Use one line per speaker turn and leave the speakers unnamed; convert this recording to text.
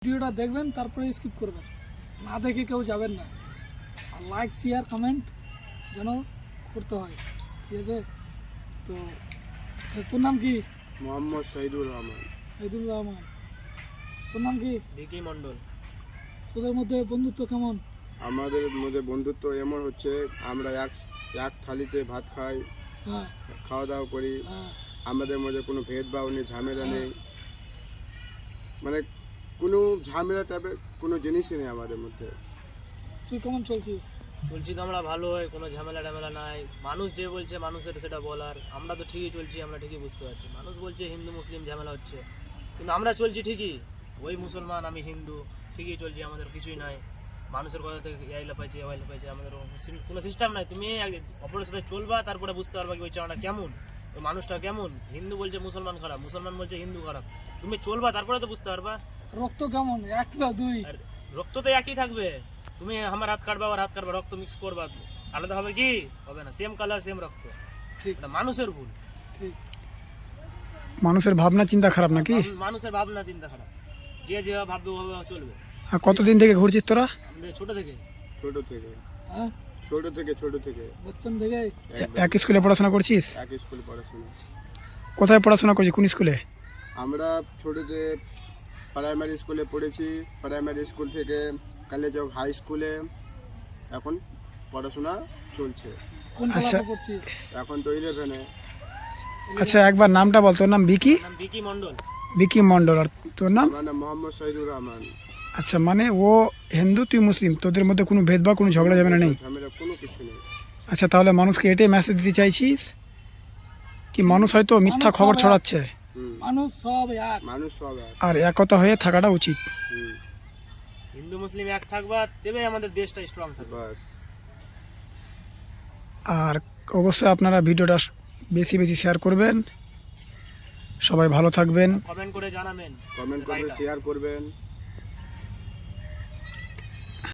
ভিডিওটা দেখবেন তারপরে স্কিপ করবেন, না দেখে কেউ যাবেন না। আর লাইক শেয়ার কমেন্ট যেন করতে হয়, ঠিক আছে? তো তোর নাম কি?
মোহাম্মদ শহীদুর রহমান।
শহীদুর রহমান। তোর নাম কি?
ভিকি মণ্ডল।
তোদের মধ্যে বন্ধুত্ব কেমন?
আমাদের মধ্যে বন্ধুত্ব এমন হচ্ছে, আমরা এক থালিতে ভাত খাই,
হ্যাঁ
খাওয়া দাওয়া করি।
হ্যাঁ।
আমাদের মধ্যে কোনো ভেদভাব নেই, ঝামেলা নেই, মানে কোনো ঝামেলা টাইপের কোনো জিনিসই নেই আমাদের মধ্যে।
তুই কেমন চলছিস?
চলছি তো আমরা ভালো হয়, কোনো ঝামেলা টামেলা নাই। মানুষ যে বলছে মানুষের সেটা বলার, আমরা তো ঠিকই চলছি, আমরা ঠিকই বুঝতে পারছি। মানুষ বলছে হিন্দু মুসলিম ঝামেলা হচ্ছে, কিন্তু আমরা চলছি ঠিকই। ওই মুসলমান আমি হিন্দু, ঠিকই চলছি, আমাদের কিছুই নাই। মানুষের কথা থেকে আইলা পাইছে ওয়াইলা পাইছে, আমাদের কোনো সিস্টেম নাই। তুমি অপরের সাথে চলবা, তারপরে বুঝতে পারবা কি ওই চাওয়াটা কেমন, ওই মানুষটা কেমন। হিন্দু বলছে মুসলমান খারাপ, মুসলমান বলছে হিন্দু খারাপ, তুমি চলবা তারপরে তো বুঝতে পারবা।
রক্ত কেমন, এক না দুই?
আর রক্ত তো একই থাকবে। তুমি আমার হাত কাটবা আর হাত কাটবা, রক্ত মিক্স করবা, আলাদা হবে কি? হবে না। সেম কালার সেম রক্ত।
ঠিক।
এটা মানুষের ভুল।
ঠিক।
মানুষের ভাবনা চিন্তা খারাপ নাকি?
মানুষের ভাবনা চিন্তা খারাপ, যে যেভাবে ভাববে ওভাবে চলবে।
আর কতদিন থেকে ঘুরছিস তোরা?
আমাদের ছোট থেকে
ছোট থেকে
হ্যাঁ,
ছোট থেকে
বচপন থেকে।
এক স্কুলে পড়াশোনা করছিস?
এক স্কুলে পড়াশোনা।
কোথায় পড়াশোনা করছিস, কোন স্কুলে?
আমরা ছোটোতে প্রাইমারি স্কুলে পড়েছি, প্রাইমারি স্কুল থেকে কালেজক হাই স্কুলে এখন পড়াশোনা চলছে।
কোন
আচ্ছা।
ক্লাসে পড়ছিস?
এখন তো 11-এ।
আচ্ছা একবার নামটা বল। তোর নাম বিকি?
নাম ভিকি মণ্ডল।
বিকি মণ্ডল। আর তোর নাম?
আমার নাম মোহাম্মদ শহীদুর রহমান।
আচ্ছা, মানে ও হিন্দু তুই মুসলিম, তোদের মধ্যে কোনো ভেদভাব কোনো ঝগড়া ঝামেলা নেই?
ঝামেলা কোনো কিছু নেই।
আচ্ছা, তাহলে মানুষকে এটাই মেসেজ দিতে চাইছিস কি মানুষ হয়তো মিথ্যা
মানুষ
খবর
সব এক।
ছড়াচ্ছে,
মানুষ সব এক।
মানুষ সব এক।
আর একতা হয়ে থাকাটা উচিত।
হিন্দু মুসলিম এক থাকবা, তবে আমাদের দেশটা স্ট্রং থাকবে।
বাস।
আর অবশ্যই আপনারা ভিডিওটা বেশি বেশি শেয়ার করবেন। সবাই ভালো থাকবেন।
কমেন্ট করে জানাবেন।
কমেন্ট করবেন, শেয়ার করবেন।